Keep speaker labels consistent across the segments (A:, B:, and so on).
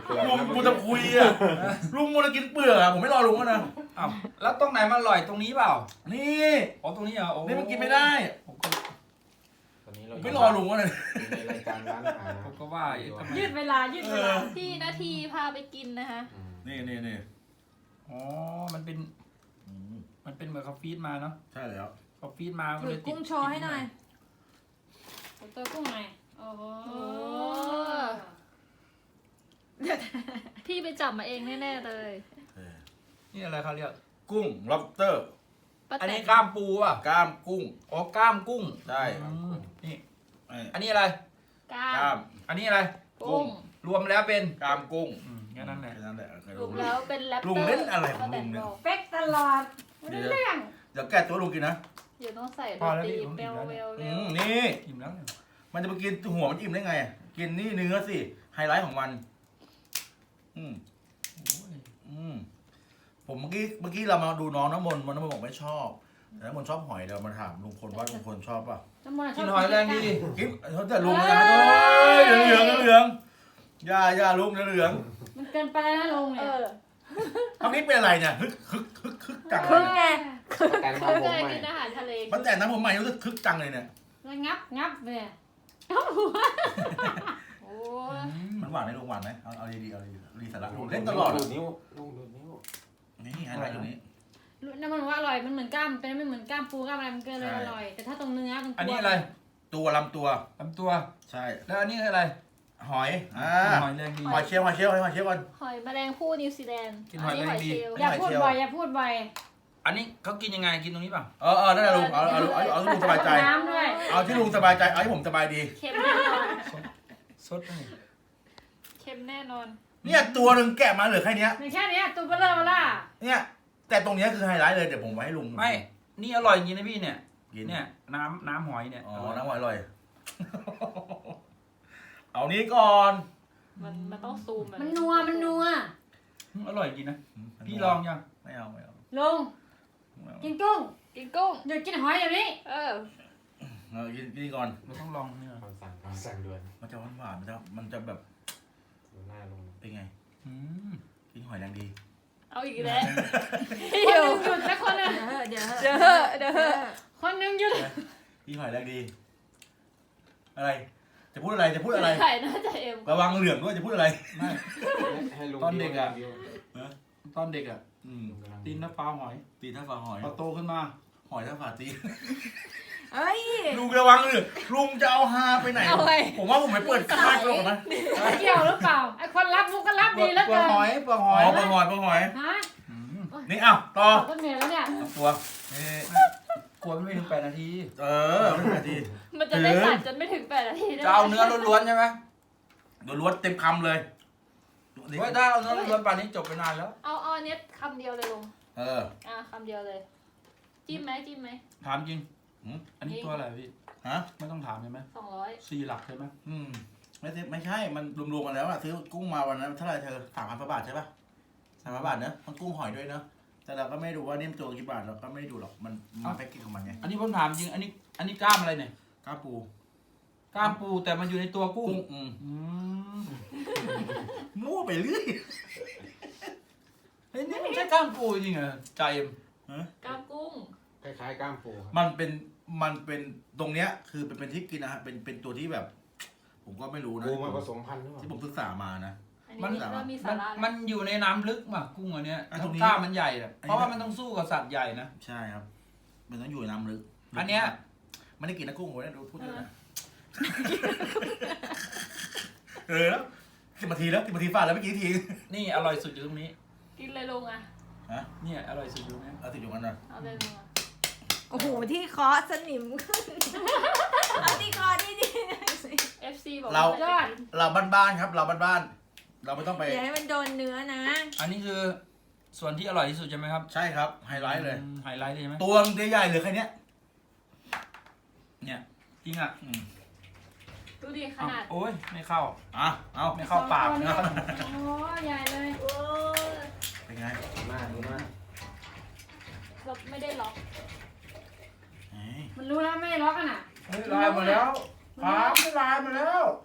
A: ลุงกูจะคุยอ่ะลุงมันจะกินเปลือกอ่ะผมไม่รอลุงนะ
B: อ้าวแล้วตรงไหนมันอร่อยตรงนี้เปล่า
A: นี่
B: อ๋อตรงนี้เหรอโอ้
A: นี่มันกินไม่ได้
B: ผมก็
C: ตอนนี้เรา
A: ไม่รอลุงวะเนี่ย
C: ในรายการร้านอาหาร
B: ผมก็ว่าทำไม
D: ยืดเวลายืดเวลา
E: พี่นาทีพาไปกินนะคะ
A: นี่
B: อ๋อมันเป็นเหมือนเขาฟีดมาเนาะ
A: ใช่แล้ว
B: เขาฟีดมา
D: ถือกุ้งโชว์ให้หน่อยตัวกุ้งหน่อยโอ้โห
E: พี่ไปจับมาเองแน่ๆเลย
B: นี่อะไรเขาเรียก
A: กุ้ง lobster
E: ป้า
B: อัน
E: แต
B: นี้
E: น
B: กล้ามปูอ่ะ
A: กล้ามกุ้ง
B: อ๋อกล้ามกุ้ง
A: ใช่
B: นี่
A: ไอ้
B: อันนี้อะไร
E: กล้าก
A: ล้าม ม
B: อันนี้อะไร
E: กุ้ง
B: รวมแล้วเป็น
A: กล้ามกุ้ง
B: แค่นั้นแหละ
A: แค่นั้นแหละ
E: รวมแล้วเป็นแรปเตอร์
A: ลุงเล่นอะไรของลุงเนี่ย
D: เป๊กตลอดไม่ได้เรื่อง
A: เดี๋ยวแก้ตัวลุงกินนะ
E: เดี๋ยวต้องใส่ด
B: พอน แล้ว
E: ตรี
B: พี่ผม
E: เว
B: อิ่ม
E: ล
B: แล้ว
E: เว
B: เนี่ย
E: ลเวล
A: นี่
B: อิ่มแล้วเนี่ย
A: มันจะไปกินหัวมันอิ่มได้ไง กินนี่เนื้อสิ ไฮไลท์ของมัน อืม
B: โอ้ย
A: ผมเมื่อกี้เรามาดูน้องน้ำมนต์น้ำมนต์บอกไม่ชอบแต่น้ำมนต์ชอบหอยเดี๋ยวมาถามลุงพลว่าลุงพลชอบป่ะ
B: กินหอยแรงดี
A: คิดเขาจะลุงนะเหลืองอย่าลุงเหลือง
D: มันเกินไปแล้วนะลุง
E: เอ
D: เนี่ย
E: อ
A: ทำนี้เป็นอะไรเนี่ยคึกจัง
D: ครึ่งไง
C: แต่ง
E: เขา
C: มาผม
E: เคย
C: ใหม่
E: กินอาหารทะเล
A: มันแต่น้ำผมใหม่รู้สึกคึกจังเลยเนี่ย
D: แล้วงับเลย
E: โอ้ย
A: มันหวานไหมลุงหวานไหมเอาดีสาระลุงเล่นตลอด
C: ดูดนิ้วลุงดูดนิ้ว
A: นี่ไฮไลท์อยู่นี้
D: น้ำมันว่าอร่อยมันเหมือนกล้ามเป็นไม่เหมือนกล้ามปูกล้ามอะไรมันก็เลยอร่อยแต่ถ้าตรงเนื้อมัน
B: อันนี้อะไร
A: ตัวลำตัว
B: ลำตัว
A: ใช่
B: แล้วอันนี้คืออะไร
A: หอย
B: หอยแรงดี
A: หอยเชลล์ก่อน
E: หอยแมลงภู่นิวซีแลนด์
B: กินหอยแมลงดี
E: เชลล์
D: อย่าพูดบ่อยอย่าพูดบ่อย
B: อันนี้เขากินยังไงกินตรงนี้เปล่า
A: นั่นแหละลุงเอาที่ลุงสบายใจ
D: น้ำด้วย
A: เอาที่ลุงสบายใจเอาที่ผมสบายดี
E: เค็มแน่นอน
B: สดนี่
E: เค็มแน่นอน
A: เนี่ยตัวหนึ่งแกะมาเหลือแค่เนี้ย
D: ในแค่นี้ตัวเบลอล่า
A: เนี่ยแต่ตรงเนี้ยคือไฮไลท์เลยเดี๋ยวผมไว้ให้ลุง
B: ไม่นี่อร่อยจริงนะพี่เนี่ย
A: กิน
B: เนี่ยน้ำหอยเนี่ย
A: อ๋อน้ำหอยอร่อย เอานี้ก่อน
E: มันต้องซูมแบบ
D: มันนัว
B: อร่อยจริงนะพี่ลองยัง
A: ไม่เอา
D: ลุงกินกุ้ง
E: กินกุ้ง
D: หยุดกินหอยอย่างนี้
E: เออ
A: กินก่อน
B: เราต้องลองเนี่ย
C: คำสั่งด่วน
A: มันจะหวานมันจะแบบ
C: ดูหน้าลุง
A: เป็นไง
B: อืม
A: กินหอยแรงดี
E: เอาอีกแล้ว
D: คนหนึ่งหยุดแล้วคนหนึ่ง
E: เดี๋ยว
D: คนหนึ่งหยุด
A: กินหอยแรงดี อะไร จะพูดอะไร
E: ไข่น่าจะเอ็ม
A: ระวังเหลืองด้วยจะพูดอะไร
B: ไม่
C: ให้ลุง
B: ตอนเด็กอะ
C: รีวิว
B: ตอนเด็กอ่ะ
C: ลุงกำลัง
B: ตีนน้ำปลาหอย
A: ตีท่าฝาหอย
B: พอโตขึ้นมา
A: หอยท่าฝาตี
D: เอ้ย
A: ลุงระวังเลยลุงจะเอาฮาไปไหน
E: เอาไว้
A: ผมว่าผมไปเปิดค่ายก่อนนะ
D: เกี่ยวหรือเปล่าไอ้คนรับมุกก็รับ
B: เปลื
D: ดี
B: อก
D: แล้ว
B: เปลือ
D: เกิ
B: ก
D: น
B: หอยเปลือกห
A: อ๋
B: อ
A: อย ปลาหอย
D: ฮะ
B: อืม
A: นี่อ้าวต่อ
D: ก็เหนื่อยแล้วเนี่ย
A: ตัวนี่
B: กลัวไม่ถึง8 นาที
A: ไม่นาที
E: มันจะได้ตัดจนไม่ถึง8 นาทีได้
B: จะเอาเนื้อล้วนๆใช่ไหม
A: โดนล้วนเต็มคำเลย
B: เฮ้ยถ้าเอาเนื้อล้วนๆป่านนี้จบไปนานแล้ว
E: เอาอันนี้คำเดียวเลยลุงคำเดียวเลย จิ้มไหม
B: ถามจริงอันนี้ตัวอะไรพี่
A: ฮะ
B: ไม่ต้องถามใช่ไหม
E: 200
B: 4 หลักใช่ไหม
A: ไม่ใช่มันรวมๆกันแล้วอะซื้อกุ้งมาวันนั้นเท่าไหร่เธอ3,000 บาทใช่ปะ3,000 บาทเนอะมันกุ้งหอยด้วยเนอะแต่เราก็ไม่ดูว่านี่มันตัวกี่บาทเราก็ไม่ดูหรอกมันแพ็กเกจของมันไง
B: อันนี้ผมถามจริงอันนี้กล้ามอะไรเนี่ย
A: กล้าปู
B: กล้ามปูแต่มันอยู่ในตัวกุ้ง
A: อืม
B: อืม
A: มั่วไปเรื่อย
B: เฮ้ยนี่มันใช่กล้ามปูจริงเหรอใจเอ็ม
E: กล้ามกุ้ง
C: คล้ายๆกล้ามปูครับ
A: มันเป็นตรงเนี้ยคือเป็นที่กินนะฮะเป็นตัวที่แบบ ผมก็ไม่รู้นะ
C: ปูมาผสมพันธุ์หรือเปล่า
A: ที่ผมศึกษามานะ
E: อันนี้เริ่มมีสาระ
B: มันอยู่ในน้ำลึกป่ะกุ้งอันเนี้ย
A: ตรงนี้
B: กล้ามมันใหญ่อะเพราะว่ามันต้องสู้กับสัตว์ใหญ่นะ
A: ใช่ครับ มันต้องอยู่ในน้ำลึก
B: อันเนี้ย
A: ไม่ได้กินนะกุ้งผมเนี่ยดูพูดเลยนะแล้ว10 นาทีแล้ว10 นาทีฟาดแล้วเมื่อกี้ที
B: นี่อร่อยสุดอยู่ตรงนี้
E: กินเลยลุงอ่ะ
B: เนี่ยอร่อยสุดอยู่ตรงนี้
A: เอาติดอยู่กันนะ
E: เอาเลยลุงอ่ะ
F: โอ้โหที่เคาะสนิมขึ้นเอาที่เคาะที่นี่
E: FC บอก
A: เราบ้านๆครับเราบ้านๆเราไม่ต้องไป
F: อย่าให้มันโดนเนื้อนะ
B: อันนี้คือส่วนที่อร่อยที่สุดใช่ไหมครับ
A: ใช่ครับไฮไลท์เลย
B: ไฮไลท์เลยใช่ไหม
A: ตัวใหญ่ๆเหลือแค่เนี้ย
B: เนี่ยจริงอ่ะ
E: ดูดิขนาด
B: โอ้ยไม่เข้า
A: เอา
B: ไม่เข้าปาก
D: โอ้
B: นะ
D: โหใหญ่เลย
F: โอ้ย
A: เป็นไง
C: ดูหน้าดูหน้า
E: เราไม่ได้ล็อก
D: มันรู้แล้วไม่ล็อกกันอ่ะ
B: เฮ้ยลายมาแล้วครับลายมาแล้ว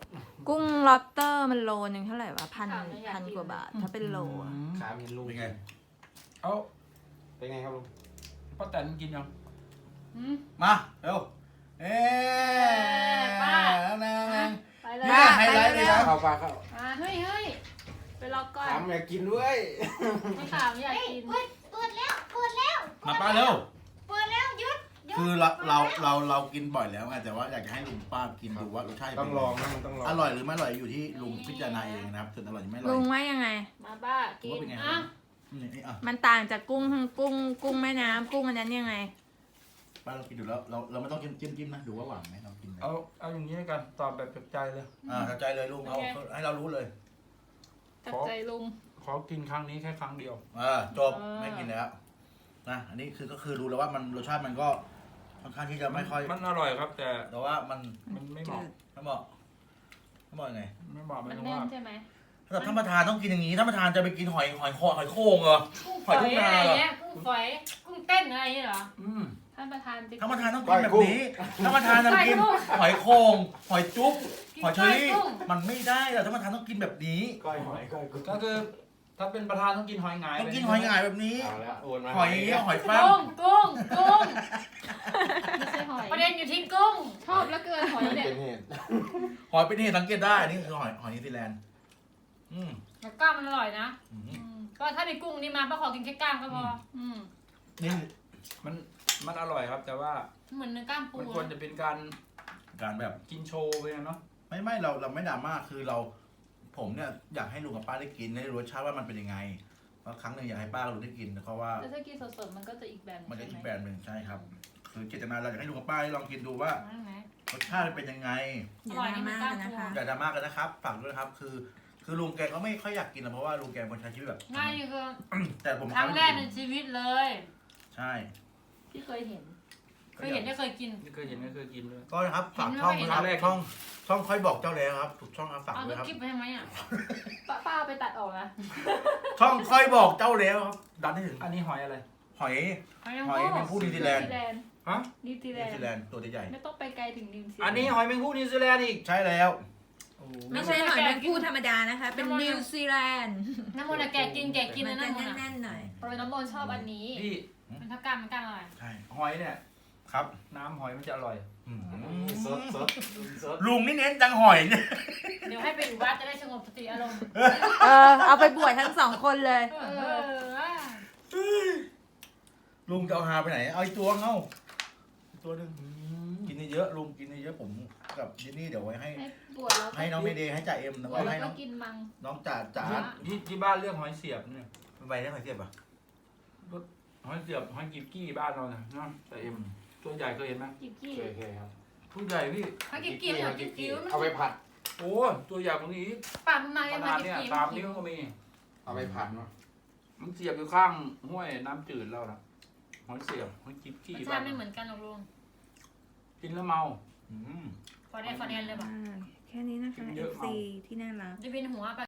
F: กุ้งล็อบสเตอร์มันโลนึงเท่าไหร่วะพันกว่าบาท ถ้าเป็นโลอะ
C: ขาเห็นลุง
A: เป็นไง
B: เอา
C: เป็นไงครับลุง
B: ป้าแตนกินยัง
D: อืม
A: มาเร็วเอ๊
D: ป้า
A: นาง
E: ไปเลย
A: นี่ไฮไลท์นี่นะ
C: เข้าปลาเข้า
D: เฮ้ยเฮ้ย
E: ไปรอก่อน
C: ถามอยากกินด้วย
E: ไม่ขามอยากกิน
F: เปิดแล้วเปิดแล้ว
A: มาป้าเร็ว
F: เปิดแล้วหยุด
A: คือเรากินบ่อยแล้วไงแต่ว่าอยากจะให้ลุงป้ากินดูว่ารสชาติ
C: ต้องลองนะมันต้องลอง
A: อร่อยหรือไม่อร่อยอยู่ที่ลุงพิจารณาเองนะครับส่วนอร่อยหรือไม่อร่อย
F: ลุงว่ายังไง
E: มาบ้ากิ
A: ว่าน เป็นไง
D: อ่ะ
A: นี่อ่ะ
F: มันต่างจากกุ้งแม่น้ำกุ้งอันนั้นยังไง
A: ป้าเรากินดูแล้วเราไม่ต้องจิ้มนะดูว่าหวานไหมเรากินไหม
B: เอาอย่างนี้แล้วกันตอบแบบจากใจเลย
A: เข้าใจเลยลุงเอาให้เรารู้เลย
E: ตัดใจลุง
B: ขอกินครั้งนี้แค่ครั้งเดียว
A: จบไม่กินแล้วนะอันนี้คือก็คือรู้แล้วว่ามันรสชาติมันก็ค่อนข้างที่จะไม่ค่อย
B: มันอร่อยครับ แต่
A: แต่ว่ามัน
B: ไม่เหมาะ
A: ไม่เหมาะไม่เหมาะยังไง
B: ไม่เหมาะไม่
E: มัน
B: รู้
E: แน่น
B: ว่า
E: ใช่ไหม
A: ถ้าท่านประธานต้องกินอย่างนี้ท่านประธานจะไปกินหอยโข่งเหรอ
D: กุ้ง
A: ห
D: ฝ
A: อย
D: อย
A: ทุ่ง
D: อะ
A: นา
D: ไร
A: เหรอ
D: เงี้ยกุ้งฝอยกุ้งเต้นอะไรอย่างเงี้ยเหรอ
E: ท่านประธานจะ
A: ท่านประธานต้องกินแบบนี้ท่านประธานจะกินหอยโข่งหอยจุ๊บหอยเชอรี่มันไม่ได้หรอกท่านประธานต้องกินแบบนี้
C: ก้อยหอยก้อยกุ้ง
B: ก็คือถ้าเป็นประธานต้องกินหอยหงาย
A: ต้องกินหอยหงายแบบนี้
C: เอาแล้วโอนมา
A: หอยฟ้า
D: กุ้งกุ้ง
E: ไม่ใช่หอย
D: ประเด็นอยู่ที่กุ้ง
E: ชอบแล้วเกินหอยเนี่ย
C: เป็นเหตุ
A: หอยเป็นนี่สังเกตได้นี่คือหอยนิวซีแลนด์อืม
D: แล้วกล้ามมันอร่อยนะ
A: อืม
D: ก็ถ้ามีกุ้งนี่มาป้าขอกินแค่กล้ามก็พออืม
A: นี่
B: มันอร่อยครับ แต่ว่า
D: เหมือนเนื้อกล้ามปู
B: มันควรจะเป็นการ
A: การแบบ
B: กินโชว์ไปนะเนาะ
A: ไม่เราไม่ดราม่าคือผมเนี่ยอยากให้ลุงกับป้าได้กินได้รู้รสชาติว่ามันเป็นยังไงเพราะครั้งหนึ่งอยากให้ป้ากับลุงได้กินเพราะว่า
E: แต่ถ้ากินสดๆมันก็จะอีกแบบห
A: มันจะ
E: ใช่
A: อีก
E: ไห
A: แบรนด์หนึ่งใช่ครับ คือเจตนาเราอยากให้ลุงกับป้าได้ลองกินดูว่า
D: นั่นไหม
A: รสชาติมันเป็นยังไง
F: อย่าดราม่ากันนะคะ
A: อย่าดราม่ากันนะครับฝากด้วยนะครับ คือลุงแกก็ไม่ค่อยอยากกินนะเพราะว่าลุงแกเป็นคนใช้ชีวิตแบบ
D: ง่ายนี่คือ
A: แต่ผม
D: ครั้งแรกในชีวิตเลย
A: ใช่
E: ที่เคยเห็น
D: เคยเห็นได้เคยกิน
B: ไม่เคยเห็นไม่เคยกินเลย
A: ก็นะครับฝากช่องนะครับ
B: เห็นไหม
A: ช่องค่อยบอกเจ้าแล้วครับถูกช่องครับฝาก
D: เอา
A: ด้วยครับ
D: คลิปไปทำไมอ่ะ
E: ป้าเอาไปตัดออกนะ
A: ช่องค่อยบอกเจ้าแล้วครับดันให้ถึง
B: อันนี้หอยอะไร
A: หอย
D: หอยนาง
A: หอย
D: ร
A: แม
D: ม
A: งผู้นิวซีแลนด์
B: ฮะ
E: นิวซีแล
A: นิวน
E: ด์
A: ซีแลนด์ตัวใหญ่
E: ไม่ต้องไปไกลถึงนิวซีแลนด์
B: อันนี้หอยแมงผู้นิวซีแลนด์อีก
A: ๆใช่แล้ว
F: ไม่ใช่หอยแมงผู้ธรรมดานะคะ เป็นนิวซีแลนด์
D: น้ำมันอะแกะกินนะ
F: มัน
D: น้ำ
F: จะ
D: มันอะ
F: แน่นๆหน่อย
E: โปรยน้ำมนต์ชอบอันนี้
B: พี่
D: มันถ้ากล้ามมันกล้ามอะไร
A: ใช่
B: หอยเนี่ย
A: ครับ
B: น้ำหอยมันจะอร่อย
C: สดสด
A: ลุงนี่เน้นจังหอยเนี่ย
D: เดี๋ยวให้ไปอยู่วัดจะได้สงบสติอารมณ์
F: เอาไปบวชทั้งสองคนเลย
A: ลุงจะเอาหาไปไหนเอาอีกตัวเอาอีกตัวหนึงกินเยอะๆลุงกินเยอะๆผมกับจินนี่เดี๋ยวไว้ให้
E: ให้บวชแล้ว
A: ให้น้องเมเดย์ให้จ่าเอ็มแล้ว
E: บ
A: ก็
E: วชแล้
A: ให้
E: ว
A: น้
E: ก็
A: อง
E: กินมัง
A: น้องจ่า
B: ที่บ้านเรียกหอยเสียบเนี่ย
A: ไปได้ไหมเทียบอ่ะ
B: หอยเสียบหอยกิบกี้บ้านเราเนี่ยนะแต่เอ็มตัวใหญ่เคยเห็นไหม
E: กิบกี้
C: เคยครับ
B: ตัวใหญ่พี่
D: เขากินกิ้วเขากินกิ้ว
C: เอาไปผัด
B: โอ้ตัวใหญ่กว่านี้อีก
D: ปากมันมา
B: ข
D: ยัง
B: นา
D: มา
B: ด
D: กิน
B: เนี่ย
D: กิ้ว
B: 3 นิ้วก็มี
C: เอาไปผัดเนาะ
B: มันเสียบอยู่ข้างห้วยน้ำจืดเรานะหอยเสียบหอยกิบกี้
D: รสชา
B: บ้าน
D: ติไม่เหมือนกันหรอกลุง
B: กินแล้วเมา
A: อืม
D: ฟอร์เดนเลยป่ะ
F: แค่นี้นะคะ
B: เยอะ
F: FC
B: มาก
F: ที่น่ารัก
D: จะเป็นหัวป